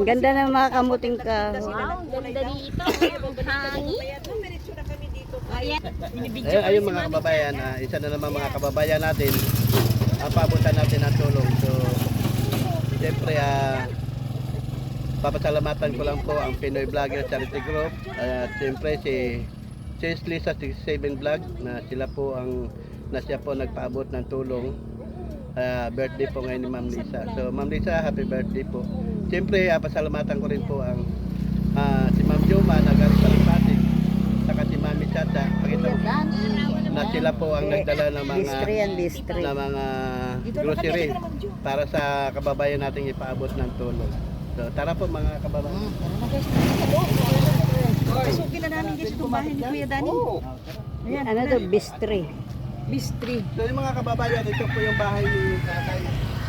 Ganda ng mga kamuting ka. Wow, ganda dito. Hangin. Ayun mga kababayan, isa na naman mga kababayan natin, paabutan natin ang tulong. So, siyempre, papasalamatan ko lang po ang Pinoy Vlogger Charity Group at siyempre si Sis Lisa 67 Vlog na sila po siya po nagpaabot ng tulong. Birthday po ngayon ni Ma'am Lisa. So Ma'am Lisa, happy birthday po. Siyempre, pasalamatan ko rin po ang si Ma'am Joma na galing sa Pasig, saka si Mami Chacha, pakita mo na sila po ang nagdala ng mga grocery para sa kababayan nating ipaabot ng tulong. So tara po mga kababayan. Pasukin na namin guys itong bahay ni Kuya Dani. Ayan, ano to? Bistri. Bistri. So yung mga kababayan, ito po yung bahay ni Tatay.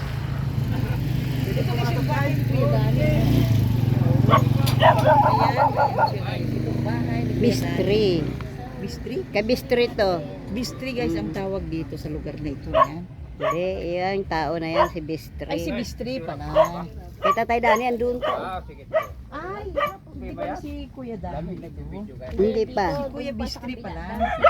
Ito guys yung bahay ni Kuya Dani. Ayan, itong bahay ni Kuya Dani. Bistri. Bistri? Kabistri to. Bistri guys ang tawag dito sa lugar na ito. Yan. Hindi, yung tao na yan, si Bistri. Ay si Bistri pala. Kay Tatay Dani, andun to. Sige. Ay, hindi pala si Kuya Dani. Hindi pa. Si Kuya Bistri pala.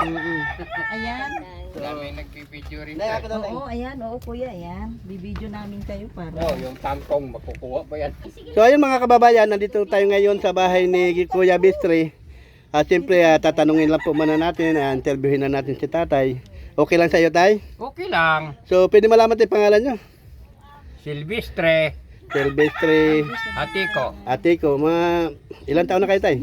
Ayan. Daming nagpipidyo rin. Oo, ayan. Oo, Kuya, ayan. Bibidyo namin kayo para. Oh, yung tangkong makukuha ba yan? So ayun mga kababayan, nandito tayo ngayon sa bahay ni Kuya Bistri. Siyempre, tatanungin lang po muna natin, interviewin na natin si Tatay. Okay lang sa iyo, Tay? Okay lang. So pwede malaman tayo pangalan nyo? Silvestre, Silvestre Atiko. Atiko, ilang taon na kayo, Tay?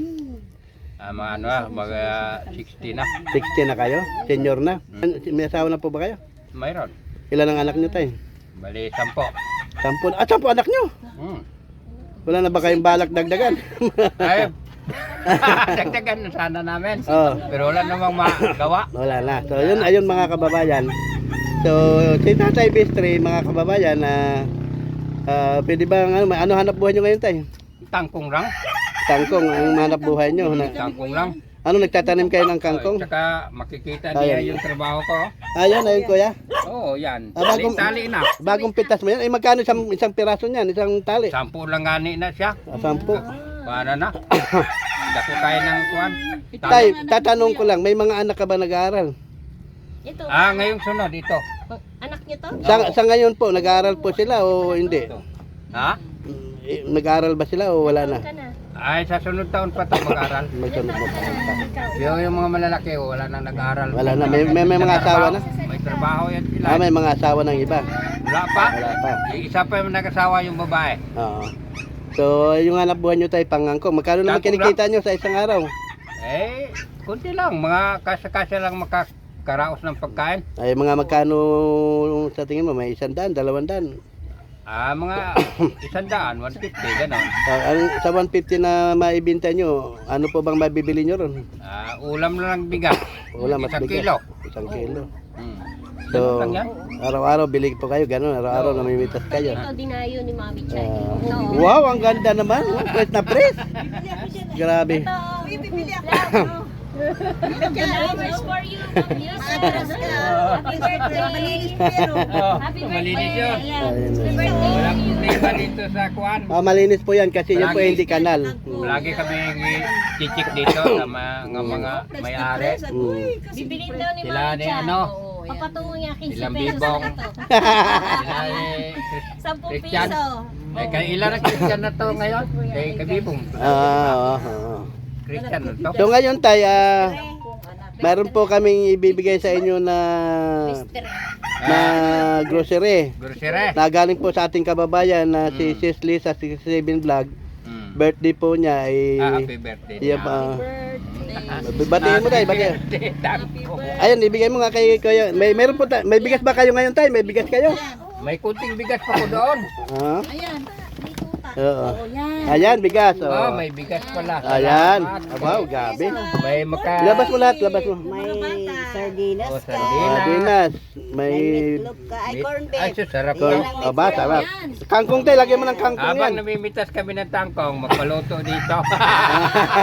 Mga 60 na. 60 na kayo? Senior na? May asawa na po ba kayo? Mayroon. Ilan ang anak nyo, Tay? Bali, 10. 10. 10 anak nyo? Wala na ba kayong balak dagdagan? Ay, dagdagan sana namin. Oh. Pero wala namang magawa. Wala na. So ayun mga kababayan. So si Tatay Bistri, mga kababayan, pwede ba ano hanap buhay nyo ngayon, Tay? Tangkong lang. Kangkong ang hanap buhay nyo. Tangkong lang. Ano, nagtatanim kayo ng kangkong? Tsaka makikita niya yung trabaho ko. Ayun kuya. Oo, yan. Bagong- Tali na. Bagong pitas mo yan. Ay magkano isang piraso niyan? Isang tali? 10 lang gani na siya. 10. Para na. Dako kaya ng kuwan. Tay, tatanong ko lang, may mga anak ka ba nag-aaral? Ito. Ngayong sunod ito. Anak niyo to? Sa ngayon po, nag-aaral po sila o hindi? Ha? Nag-aaral ba sila o wala na? Ka na. Ay, sa sunod taon pa ito mag-aral. Magsunod po pa. Yung mga malalaki, wala nang nag-aral. Wala na, may mga asawa na? May trabaho yan sila. May mga asawa ng iba? Wala pa? Wala pa. Yung isa pa yung nag-asawa yung babae. Oo. So, yung hanap buhay nyo tayo pangangkong, magkano naman Tangkong kinikita nyo sa isang araw? Eh, kunti lang. Mga kasa-kasa lang makakaraos ng pagkain. Ay, mga magkano sa tingin mo? May 100, 200? Mga 100, 150, gano'n. Sa 150 na maibinta nyo, ano po bang mabibili nyo ron? Ulam na lang bigas. Wala, mas Isang bigas. kilo. Isang kilo. Hmm. So, Ganun lang yan. araw-araw bilig po kayo, gano'n. Araw-araw namimitas kayo. Ito dinayo ni Mami Chay. Wow, ang ganda naman. Press na press. Grabe. Flowers for you, Mami. Happy birthday. Happy Malinis birthday. yun. Happy birthday. Walang problema dito sa kuwan. Malinis po yan kasi yun po Lagi. hindi kanal. Lagi kami chichik dito sa mga may-ari. Bibilin daw ni Sila Mami ni Chay. ano? Papatungo niya 15 Ilang pesos bibong. na to. Sila ni 10 Christian. piso. Kaya ilan ang Christian na to ngayon? Kay Kabibong. Christian na to. So ngayon tayo, meron po kaming ibibigay sa inyo na grocery. Grocery. Na galing po sa ating kababayan na si Sis Lisa 67 Vlog. Birthday po niya ay Happy birthday. iya pa. Batiin mo tayo, batiin. Ayun, ibigay mo nga kay Kuya. Meron po may bigas ba kayo ngayon tayo? May bigas kayo? May kunting bigas pa ko doon. Ayan. Oo. Ayan, bigas. Oh, may bigas pala. Ayan. Salamat. Wow, gabi. May Labas mo lahat, labas mo. May sardinas Oh, ka. sardinas. Sardinas. May Itlog ka. Ay, corn Ay, beef. sarap Corn. to. Aba, sarap. Kangkong tayo, lagyan mo ng kangkong Habang yan. namimitas kami ng tangkong, magpaluto dito.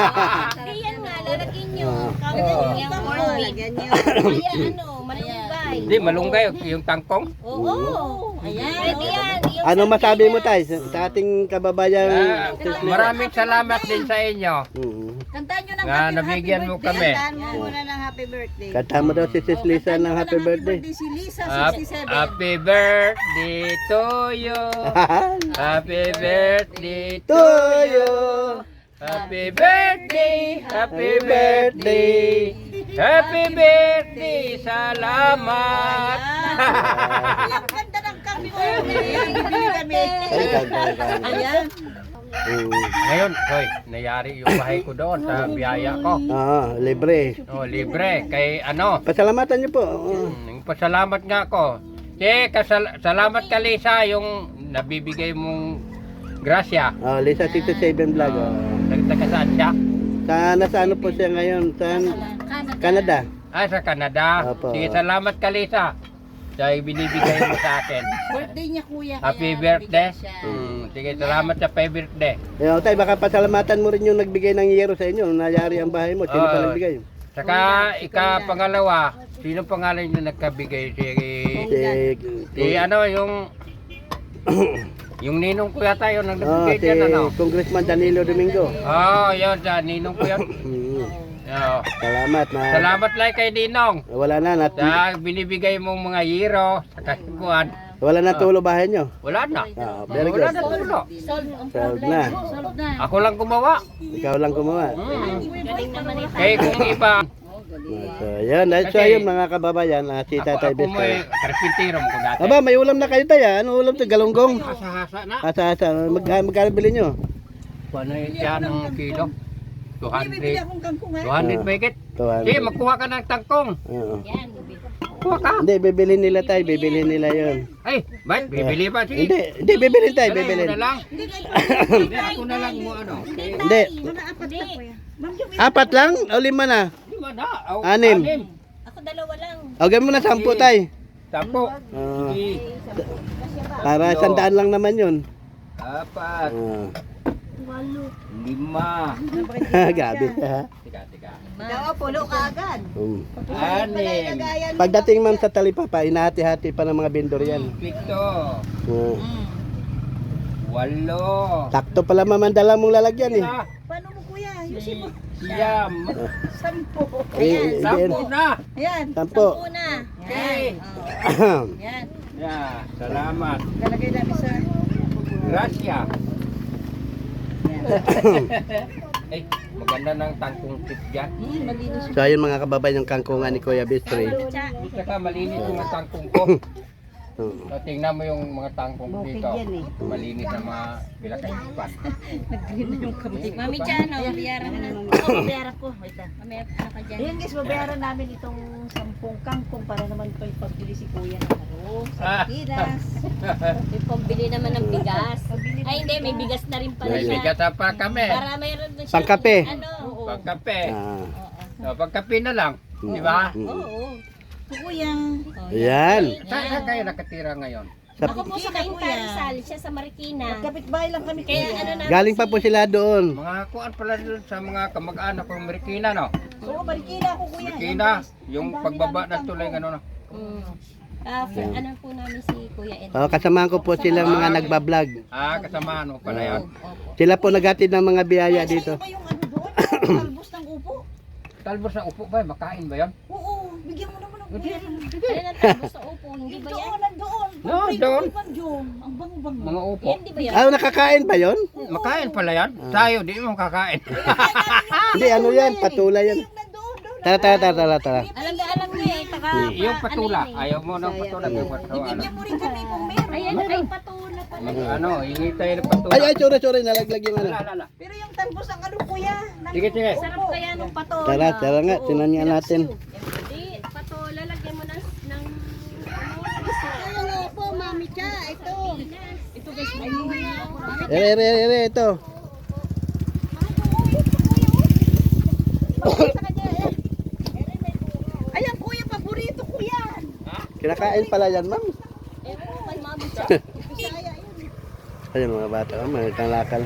Ayan nga, lalagyan nyo. Oo. Yung corn beef. Lagyan nyo. Kaya ano, malunggay. malunggay. Hindi, malunggay yung tangkong. Oo. Ayan. Pwede yan. Yung Ano masabi mo tayo sa ating kababayan? Maraming salamat din sa inyo. Kantahan nyo ng Nga nabigyan mo kami. Kantahan mo muna ng happy birthday. Kanta mo daw si Sis Lisa ng happy birthday. Si Lisa, Happy 67. birthday to you. Happy birthday to To you. you. Happy birthday, happy birthday. Happy birthday, salamat. Ang ganda ng kami mo. Bibili kami. Ay, ganda. Ayan. Ngayon, hoy, nayari yung bahay ko doon sa biyaya ko. Libre. Oh, libre. Kay ano, Pasalamatan niyo po. pasalamat nga ako. Salamat ka Lisa yung nabibigay mong grasya. Lisa 67 vlog. Nagtaga saan siya? Sa ano po siya ngayon? Sa Canada. Sa Canada. Opo. Sige, salamat ka Lisa. Sa binibigay mo sa akin. Birthday niya kuya. Happy birthday. Sige, salamat sa happy birthday. Tay, baka pasalamatan mo rin yung nagbigay ng yero sa inyo. Nayari ang bahay mo. Sino pa nagbigay? Saka pangalawa, sino pangalan yung nagkabigay? Si ano, yung ninong ko yata yun ang nagbigay Si dyan, ano? Congressman Danilo Domingo. Yun, ninong ko yun. Salamat na. Salamat lang kay Ninong. Wala na. Sa binibigay mong mga yero sa kasikuan. Wala na tulo bahay nyo. Wala na. Very Wala good. na tulo. Solved na. Ako lang gumawa. Ikaw lang gumawa. galing naman ito. Kaya kung iba, So, yan. So, yun mga kababayan. Si Tatay ako mo Bester. karpintero mo ko dati. Aba, may ulam na kayo tayo. Ano ulam to? Galunggong. Hasa-hasa na. Asa. Magkano bilhin nyo? Ano yun siya ng kilo? Bibili 200. akong kangkong ha. 200 mahigit. Sige, magkuha ka ng tangkong. Oo. Yan. Kuha ka. Hindi, bibilhin nila tayo. Bibilhin nila yun. Ay, ba't? Bibili ba? Sige. Hindi, bibilhin tayo. Ano, Bibilhin. ako na lang. Hindi, ako na lang mo ano. Hindi. Hindi. Apat lang? O 5 na? Lima na. Oh, 6. Ako dalawa lang. O, gawin mo na 10 tayo. 10. Oo. Sige. Para 100 lang naman yun. 4. Oo. 5. Gabi. Ha? Tiga. Oo, puno ka agad. 6. Pagdating ma'am sa talipapa, inahati-hati pa ng mga vendor yan. 7. Oo. 8. Sakto pala mamandala mong lalagyan eh. Paano mo kuya? Ayusin mo. Siyam. 10. Eh, 10 na. Ayan. 10. Una. Okay. Yan. Yeah, salamat. Lalagay namin sa... Gracia. Ay, maganda ng tangkong tip dyan. Malinis. So ayun mga kababayan, yung kangkungan ni Kuya Bistri. Saka malinis yung mga tangkong ko. Oo. So, tingnan mo yung mga tangkong dito. Malinis na mga bilakaisipan. Mami Chan, bayaran mo na. Bayaran ko. Wait lang. Mamaya pa ka dyan. Ayan guys, babayaran namin itong 10 kangkong para naman ito pagbili si kuya ng ano, sa Pilas. May pambili naman ng bigas. Ay hindi, may bigas na rin pala siya. Bigata pa kami. Para mayroon na siya. Pangkape. Ano? Pagkape. Ah. So, pagkape na lang. Di ba? Oo. Kuya. Ayan. Saan kayo nakatira ngayon? Ako po sa Cainta Rizal, siya sa Marikina. Kapitbahay lang kami Kaya kuya. ano na. Galing pa po sila doon. Mga kuan pala doon sa mga kamag-anak ng Marikina, no? Oo, Marikina ako kuya. Marikina, yung pagbaba ng tulay, ano, no? Ano po namin si Kuya Ed. Kasamahan ko po silang mga nagbablog. Kasama, ano pala yan? Sila po naghatid ng mga biyaya dito. Ba yung ano doon? Talbos ng upo. Talbos na upo ba? Makain ba yan? Oo, bigyan mo naman ng kuya. Ano na tapos sa upo, hindi ba yan? Doon, nandoon. No, doon. Ang bango-bango. Mga upo. Yan, di ba yan? Nakakain ba yon? Makain pala yan? Tayo, di mo kakain. Hindi, ano yan? Patulay yan. Nandoon, doon. Tara. Alam niya eh, taka. Yung patula, ayaw mo ng patula. Yung patula, ano? Bigyan mo rin kami kung meron. Ayan, ay patula pala. Ano, hingi tayo ng patula. Ay, sorry, nalaglag yung ano. Lala. Pero yung talbos ang ano kuya. Sige. Sarap kaya nung patola. Tara nga, tinanyan natin. Hindi, patola, lagyan mo ng Ano po, Mami Cha, ito. ito guys, may muna ako. Ito. Ayan kuya, paborito ko yan. Kinakain pala yan, ma'am. Eh, kay Mami Cha. Ayun mga bata, mga kalakal.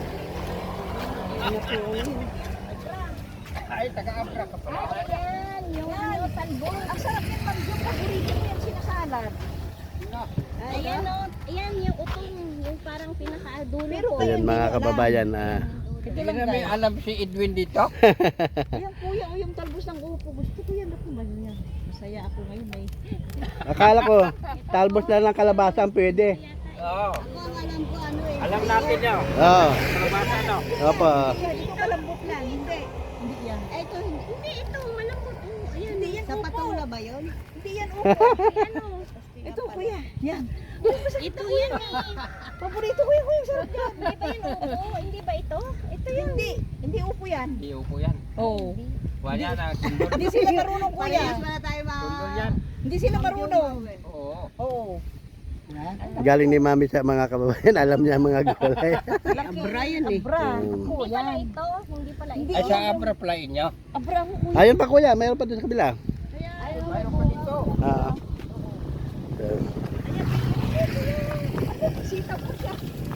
Ay, taga-abra ka pala. yung ano, talbos. Ang sarap yung talbos. Paborito ko yung sinasalad. Ayan o, ayan yung utong, yung parang pinakadulo Pero po. kaya Ayan mga kababayan, Hindi namin alam si Edwin dito. Ayan kuya, o yung talbos ng upo. Gusto ko yan. Ako ba yan? Masaya ako ngayon eh. akala ko, talbos na lang kalabasa ang pwede. Oo. Ako ang alam ko ano eh. Alam natin yun. Oo. Kalabasa no. Opo. Ito kalambot lang. Hindi. Hindi yan. Ay, ito, Hindi, ito, malambot. Ayan, Hindi yan sa upo. patula ba yun? Hindi yan upo. ano. Ito kuya. Yan. Ito yan eh. Paborito ko yung kuya. Sarap yan. Hindi ba yun upo? Hindi ba ito? Ito yan. Hindi. Hindi upo yan. Hindi upo yan. Oo. Wala na. Sundol. Hindi sila marunong kuya. Parehas pala tayo mga... Sundol yan. Hindi sila marunong. Oo. Oo. Galing ni mami sa mga kababayan, alam niya ang mga gulay. Abra yun eh. Abra. Mm. Ako Hindi pala yan. ito. Hindi pala Hindi. ito. Ay, sa abra pala inyo. Abra ako kuya. Ayun pa kuya, mayroon pa doon sa kabila. Mayroon pa dito. Ah. Sitaw ko siya.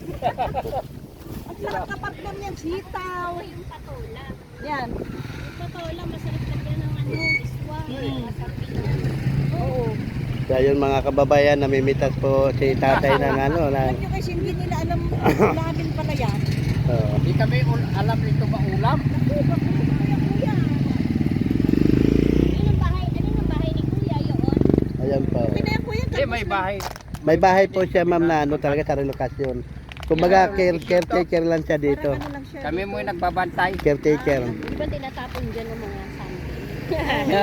At nakakapatlam yan. Sitaw. Yung patola. Yan. Yung patola, masarap lagyan ng ano, iswa. Masarap yun. Oo. Kaya yun mga kababayan, namimitas po si tatay ng ano. Alam nyo kasi hindi nila alam ulamin pala yan. Hindi kami alam nito ba ulam. Yun ang bahay, ano yung bahay ni Kuya yun? Ayan po. Kaya kuya, Hindi, may bahay. May bahay po siya ma'am na ano talaga sa relokasyon. Kumbaga caretaker lang siya dito. ano lang siya. Kami mo yung nagbabantay. Caretaker. Di ba tinatapon dyan ng mga something?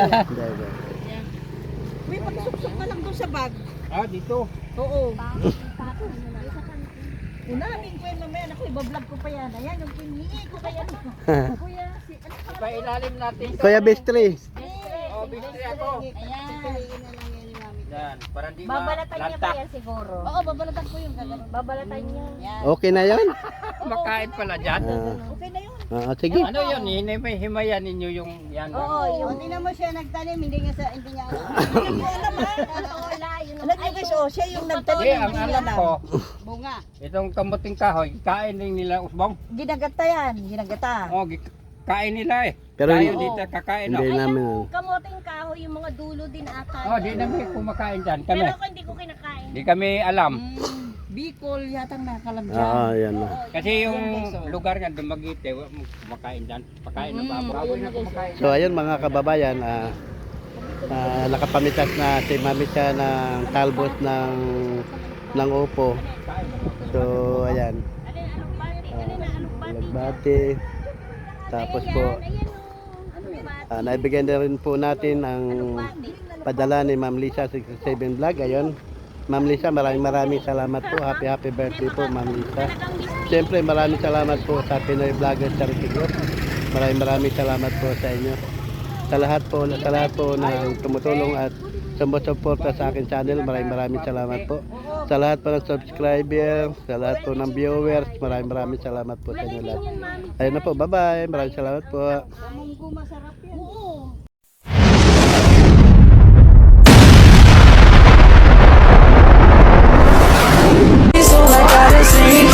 May pagsuksok ka lang doon sa bag. Ah, dito. Oo. Tapon mo na sa kanto. Unamin ko yan mamaya. Ako, ibablog ko pa yan. Ayan, yung pinili ko kaya. Kuya, si ano pa? Pailalim natin ito. Kuya Bestri. Oh, bistri ako. Ayan. Piliin na lang yan ni mami. Yan, para di Babalatan niya pa malantak. yan siguro. Oo, babalatan ko yung gagawin. Babalatan niya. Yan. Okay na yun? Makain pala dyan. Okay na yun. Sige. Ano yun? Himayan ninyo yung yan. Oo, yung O, tingnan mo siya nagtanim, hindi niya alam. Hindi ko alam ha. patola. Yun Alam niyo guys, oh, siya yung Hindi, nagtanim. ang alam ko, Bunga. itong kamuting kahoy, kain din nila usbong. Ginagata yan. Ginagata. Oh, kain nila eh. Pero Tayo dito kakain. hindi Oh, namin. yung kamoting kahoy, yung mga dulo din ata. oh di namin kumakain dyan. Kami. Pero ako hindi ko kinakain. Di kami alam. Bicol yata nakalam dyan. Oo, yan. Kasi yung lugar nga Dumaguete, kumakain dyan. Pakain ng baboy na kumakain. So ayun mga kababayan, nakapamitas na si Mami siya ng talbos ng upo. So ayan, Alin, anong bati? Alin na, anong bati? nagbati. Tapos po, Ayan o. Anong bati? naibigyan na rin po natin ang Bati. padala ni Ma'am Lisa 67 Vlog. Ayun, Ma'am Lisa, maraming salamat po. Happy birthday po Ma'am Lisa. Siyempre maraming salamat po sa Pinoy Vloggers Charity Group. Maraming salamat po sa inyo. Sa lahat po na tumutulong at sumusuporta sa akin channel, maraming salamat po. Sa lahat po ng subscriber, sa lahat po ng viewers, maraming salamat po sa inyo lahat. Ayun na po, bye-bye. Maraming salamat po. Munggo masarap yan. Oo. So I gotta sing